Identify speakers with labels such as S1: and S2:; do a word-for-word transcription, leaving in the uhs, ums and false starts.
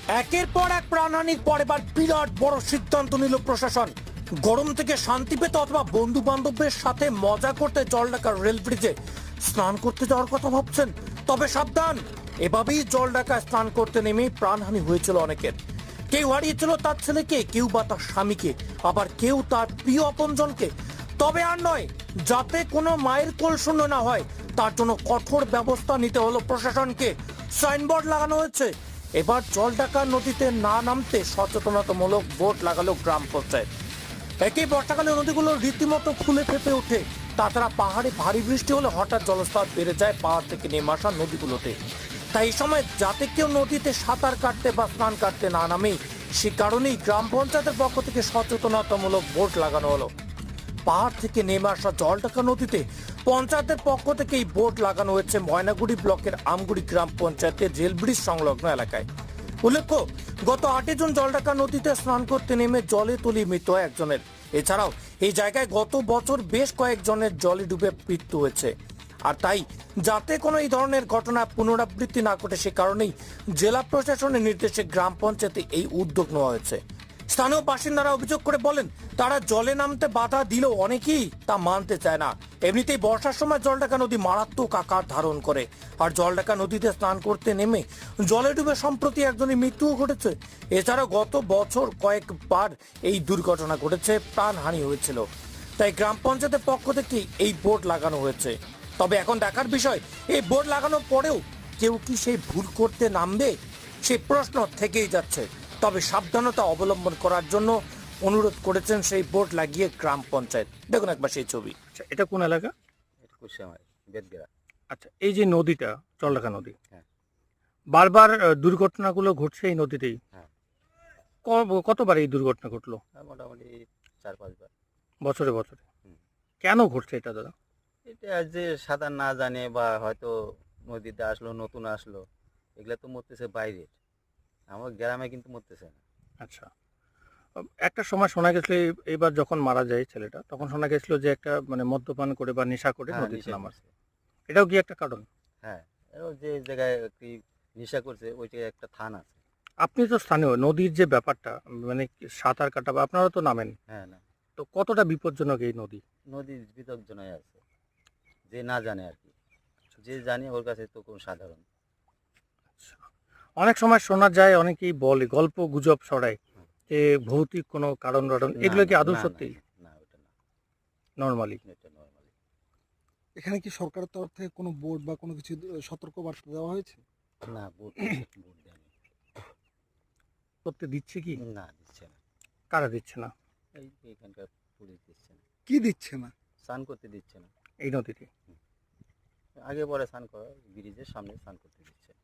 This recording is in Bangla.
S1: একের পর এক প্রাণহানির পর এবার বিরাট বড় সিদ্ধান্ত নিল প্রশাসন। গরম থেকে শান্তি পেতে অথবা বন্ধু বান্ধবদের সাথে মজা করতে জলঢাকা রেল ব্রিজে স্নান করতে যাওয়ার কথা ভাবছেন, তবে সাবধান, এভাবেই জলঢাকায় স্নান করতে নেমে প্রাণহানি হয়েছিল অনেকের। কেউ হারিয়েছিল তার ছেলেকে, কেউ বা তার স্বামীকে, আবার কেউ তার প্রিয় আপনজনকে। তবে আর নয়, যাতে কোনো মায়ের কোল শূন্য না হয় তার জন্য কঠোর ব্যবস্থা নিতে হলো প্রশাসনকে। সাইনবোর্ড লাগানো হয়েছে। এবার জলঢাকা নদীতে না নামতে সচেতনতামূলক বোর্ড লাগালো গ্রাম পঞ্চায়েত। একই বর্ষাকালে নদীগুলো রীতিমতো ফুলে ফেপে ওঠে। তাছাড়া পাহাড়ে ভারী বৃষ্টি হলে হঠাৎ জলস্তর বেড়ে যায় পাহাড় থেকে নেমে আসা নদীগুলোতে। তাই এই সময় যাতে কেউ নদীতে সাঁতার কাটতে বা স্নান কাটতে না নামে, সে কারণেই গ্রাম পঞ্চায়েতের পক্ষ থেকে সচেতনতামূলক বোর্ড লাগানো হলো। পাহাড় থেকে নেমে আসা জলঢাকা নদীতে পঞ্চায়েতের পক্ষ থেকে এই বোর্ড লাগানো হয়েছে ময়নাগুড়ি ব্লকের আমগুড়ি গ্রাম পঞ্চায়েতের রেল ব্রিজ সংলগ্ন এলাকায়। উল্লেখ্য, গত আটই জুন জলঢাকা নদীতে স্নান করতে নেমে জলে তলিয়ে মৃত্যু হয় একজনের। এছাড়াও এই জায়গায় গত বছর বেশ কয়েকজনের জলে ডুবে মৃত্যু হয়েছে। আর তাই যাতে কোনো এই ধরনের ঘটনা পুনরাবৃত্তি না ঘটে, সে কারণেই জেলা প্রশাসনের নির্দেশে গ্রাম পঞ্চায়েতে এই উদ্যোগ নেওয়া হয়েছে। স্থানীয় বাসিন্দারা অভিযোগ করে বলেন, তারা জলে নামতে বাধা দিলেও অনেকেই তা মানতে চায় না। এমনিতেই বর্ষার সময় জলঢাকা নদী মারাত্মক আকার ধারণ করে, আর জলঢাকা নদীতে স্নান করতে নেমে জলে ডুবে সম্প্রতি একজনের মৃত্যুও ঘটেছে। এছাড়াও গত বছর কয়েকবার এই দুর্ঘটনা ঘটেছে, প্রাণহানি হয়েছিল। তাই গ্রাম পঞ্চায়েতের পক্ষ থেকে এই বোর্ড লাগানো হয়েছে। তবে এখন দেখার বিষয়, এই বোর্ড লাগানোর পরেও কেউ কি সেই ভুল করতে নামবে, সেই প্রশ্ন থেকেই যাচ্ছে। তবে সাবধানতা অবলম্বন করার জন্য অনুরোধ করেছেন সেই বোর্ড লাগিয়ে গ্রাম পঞ্চায়েত। দেখুন একবার সেই ছবি।
S2: আচ্ছা, এটা কোন এলাকা?
S3: এটা কুশিয়ামারি, বেদগেরা।
S2: আচ্ছা, এই যে নদীটা জলঢাকা নদী,
S3: হ্যাঁ।
S2: বারবার আহ, দুর্ঘটনাগুলো ঘটছে এই নদীতেই।
S3: হ্যাঁ।
S2: ক- কতবার এই দুর্ঘটনা ঘটলো?
S3: আর মোটামুটি চার পাঁচবার।
S2: বছরে বছরে
S3: হুম।
S2: কেন ঘটছে এটা দাদা?
S3: এটা যে সাঁতার না জানে বা হয়তো নদীতে আসলো নতুন আসলো, এগুলা তো মরতেছে বাইরে, আমার গ্রামে কিন্তু মরতেছে না।
S2: আচ্ছা, আহ, একটা সময় শোনা গেছিল এই- এইবার যখন মারা যায় ছেলেটা, তখন শোনা গেছিল যে একটা মানে মদ্যপান করে বা নেশা করে
S3: হ্যাঁ,
S2: নদীতে
S3: নেশা
S2: নামার।
S3: করছে।
S2: এটাও কি একটা কারণ?
S3: হ্যাঁ, এও যে জায়গায় কি নেশা করছে ওই জায়গায় একটা থান আছে।
S2: আপনি তো স্থানীয়, নদীর যে ব্যাপারটা মানে কি সাঁতার কাটা বা আপনারা তো নামেন,
S3: হ্যাঁ, না,
S2: তো কতটা বিপজ্জনক এই নদী?
S3: নদীর বিতর্জনায় আছে, যে না জানে আর কি। যে জানে ওর কাছে তো কোন সাধারণ।
S2: আচ্ছা, অনেক সময় শোনা যায়, অনেকেই বলে, গল্প গুজব ছড়ায়
S3: হুম।
S2: যে ভৌতিক কোনো কারণ টারণ,
S3: না,
S2: এগুলো কি
S3: না,
S2: আদৌ
S3: না, না,
S2: সত্যি?
S3: না, ওটা না,
S2: নর্মালি
S3: এটা নর্মালি।
S4: এখানে কি সরকারের তরফ থেকে কোনো বোর্ড বা কোনো কিছু সতর্ক বার্তা দেওয়া হয়েছে?
S3: না, ভোট ভোট দেয়নি।
S2: করতে দিচ্ছে কি?
S3: না, দিচ্ছে না।
S2: কারা দিচ্ছে না
S3: এই এখানকার পুলিশ দিচ্ছে না,
S4: কি দিচ্ছে না?
S3: স্নান করতে দিচ্ছে না।
S2: এই নদীতে?
S3: আগে পরে স্নান করা, ব্রিজের সামনে স্নান করতে দিচ্ছে না।